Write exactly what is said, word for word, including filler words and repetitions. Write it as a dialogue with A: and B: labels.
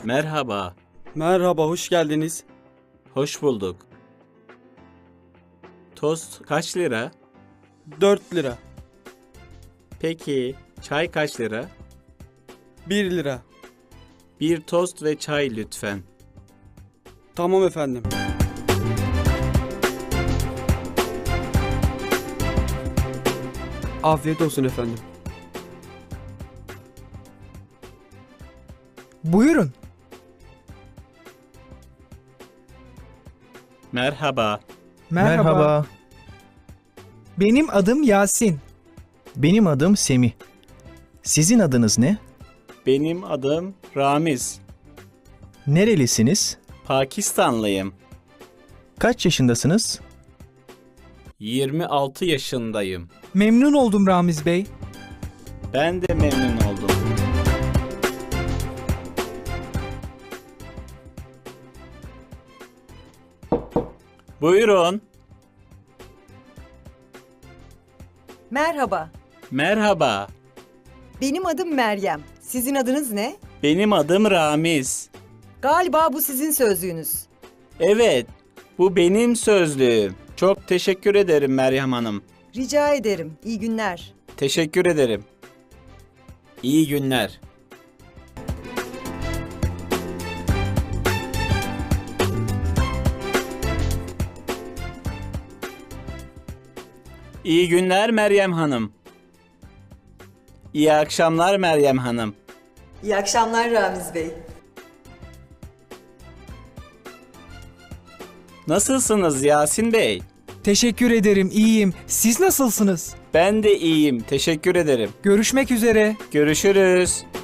A: Merhaba,
B: Merhaba, hoş geldiniz.
A: hoş bulduk. Tost kaç lira?
B: dört lira,
A: Peki, çay kaç lira?
B: bir lira.
A: Bir tost ve çay lütfen.
B: Tamam efendim. Afiyet olsun efendim.
C: Buyurun.
A: Merhaba,
C: Merhaba.
D: Merhaba,
C: Benim adım Yasin.
D: benim adım Semih. Sizin adınız ne?
A: benim adım Ramiz.
D: Nerelisiniz?
A: Pakistanlıyım.
D: Kaç yaşındasınız?
A: yirmi altı yaşındayım.
C: Memnun oldum Ramiz Bey.
A: Ben de memnun oldum. Buyurun.
E: Merhaba,
A: Merhaba,
E: benim adım Meryem. Sizin adınız ne?
A: benim adım Ramiz.
E: Galiba bu sizin sözlüğünüz.
A: Evet, bu benim sözlüğüm. Çok teşekkür ederim Meryem Hanım.
E: Rica ederim. İyi günler.
A: Teşekkür ederim. İyi günler. İyi günler Meryem Hanım. İyi akşamlar Meryem Hanım.
E: İyi akşamlar Ramiz Bey.
A: Nasılsınız Yasin Bey?
C: Teşekkür ederim, iyiyim. Siz nasılsınız?
A: Ben de iyiyim. Teşekkür ederim.
C: Görüşmek üzere.
A: Görüşürüz.